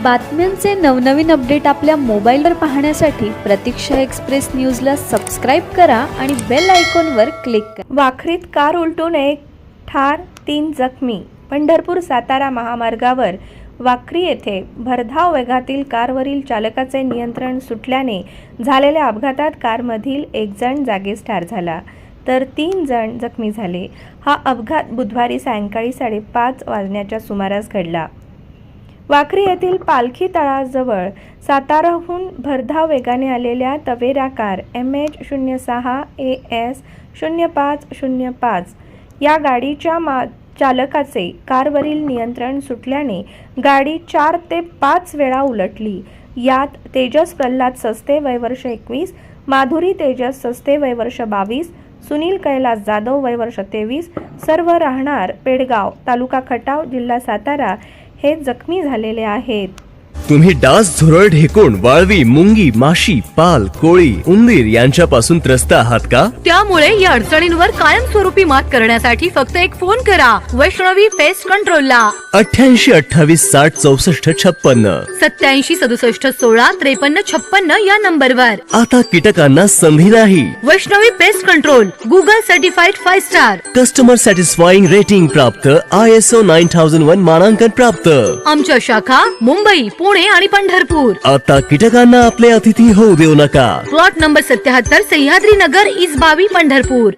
बातम्यांचे नवनवीन अपडेट आपल्या मोबाईलवर पाहण्यासाठी प्रतीक्षा एक्सप्रेस न्यूजला सबस्क्राईब करा आणि बेल आयकॉनवर क्लिक करा। वाखरीत कार उलटून एक ठार 3 जखमी। पंढरपूर सातारा महामार्गावर वाखरी येथे भरधाव वेगातील कारवरील चालकाचे नियंत्रण सुटल्याने झालेल्या अपघातात कारमधील एक जण जागीच ठार झाला तर 3 जण जखमी झाले। हा अपघात बुधवारी सायंकाळी 5:30 वाजण्याच्या सुमारास घडला। वाखरी येथील पालखी तळाजवळ साताराहून भरधाव वेगाने आलेल्या तवेरा कार MH06 AS 0505 या गाडीच्या चालकाचे कारवरील नियंत्रण सुटल्याने गाडी 4 ते 5 वेळा उलटली। यात तेजस प्रल्हाद सस्ते वय वर्ष 21, माधुरी तेजस सस्ते वय वर्ष 22, सुनील कैलास जाधव वय वर्ष 23 सर्व राहणार पेडगाव तालुका खटाव जिल्हा सातारा हे जखमी झालेले आहेत। तुम्ही डास, झुरळ, ढेकुण, वाळवी, मुंगी, माशी, पाल, कोळी, उंदीर यांच्यापासून त्रस्त आहात का? त्यामुळे या अडचणींवर कायमस्वरूपी मात करण्यासाठी फक्त एक फोन करा वैष्णवी पेस्ट कंट्रोलला 88 28 60 64 56 87 67 16 53 56 या नंबरवर। आता कीटकांना संधी नाही। Vaishnavi pest control Google certified 5 star, customer satisfying rating प्राप्त, ISO 9001 मानांकन प्राप्त। आमच्या शाखा मुंबई, पुणे आणि पंढरपूर। आता कीटकांना आपले अतिथी होऊ देऊ नका। प्लॉट नंबर 77 सह्याद्री नगर, इस 22 पंढरपूर।